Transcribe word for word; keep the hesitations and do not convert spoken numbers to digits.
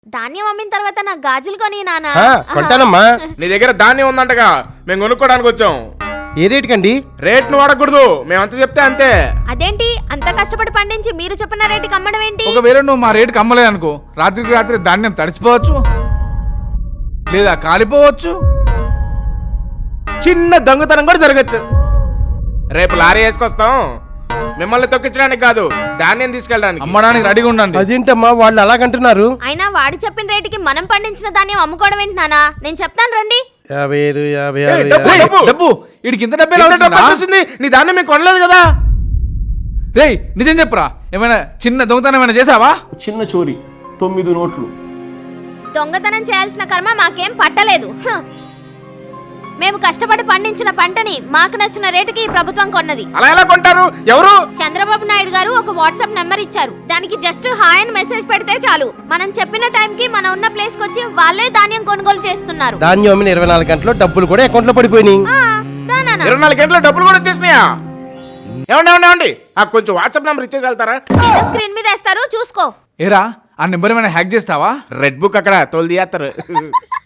ధాన్యం అమ్మిన తర్వాత నాకు గాజులు కొని నానా. కొంటానమ్మా. నీ దగ్గర ధాన్యం ఉందంటగా, మేము కొనుక్కోడానికి వచ్చాం. ఏ రేట్ కండి? రేట్ ను వాడకూడదు, మేమంత చెప్తే అంతే. అదేంటి అంత కష్టపడి పండించి మీరు చెప్పిన రేటుకి అమ్మడం ఏంటి? ఒకవేళ నువ్వు మా రేటుకి అమ్మలేదు అనుకో, రాత్రికి రాత్రి ధాన్యం తడిసిపోవచ్చు లేదా కాలిపోవచ్చు. చిన్న దొంగతనం కూడా జరగచ్చు. రేపు లారీ వేసుకొస్తాం, మిమ్మల్ని తొక్కించడానికి కాదు, ధాన్యం తీసుకెళ్ళడానికి. అమ్మడానికి రెడీగా ఉండండి. అదేంటమ్మా వాళ్ళు అలాగంటున్నారు? అయినా వాడు చెప్పిన రేటుకి మనం పండించిన ధాన్యం అమ్ముకోవడం ఏంటి నానా? నేను చెప్తాను రండి. యాభై ఐదు యాభై ఏయ్, ఆరు డబ్బు, యాభై- డబ్బు. డబ్బు వీడికి ఇంత డబ్బే ఎంత డబ్బు వచ్చింది? నీ ధాన్యం మేము కొనలేదు కదా. రేయ్ నిజం చెప్పురా, ఏమైనా చిన్న దొంగతనం ఏమైనా చేసావా? చిన్న చోరీ తొమ్మిది నోట్లు. దొంగతనం చేయాల్సిన కర్మ మాకేం పట్టలేదు. హ. మేము కష్టపడి పండించిన పంటని మాకు నచ్చిన రేటుకి ఈ ప్రభుత్వం కొన్నది. అలా ఎలా కొంటారు? ఎవరు? చంద్రబాబు నాయుడు గారు ఒక వాట్సాప్ నెంబర్ ఇచ్చారు. దానికి జస్ట్ హాయ్ అని మెసేజ్ పెడితే చాలు, మనం చెప్పిన టైం కి మనం ఉన్న ప్లేస్ కి వచ్చి వాళ్ళే ధాన్యం కొనుగోలు చేస్తున్నారు. ధాన్యం అమ్మిన ఇరవై నాలుగు గంటల్లో డబ్బులు కూడా అకౌంట్ లో పడిపోయినాయి. ఆ, దా నాన్న. ఇరవై నాలుగు గంటల డబ్బులు కూడా వచ్చేసినాయా? ఏమండి ఏమండి ఏమండి ఆ కొంచెం వాట్సాప్ నెంబర్ ఇచ్చేసి వెళ్తారా? కింద స్క్రీన్ మీద వేస్తారు చూసుకో. ఏరా ఆ నెంబర్ ఏమైనా హ్యాక్ చేస్తావా? రెడ్ బుక్ అక్కడ తోలు తీయేస్తారు.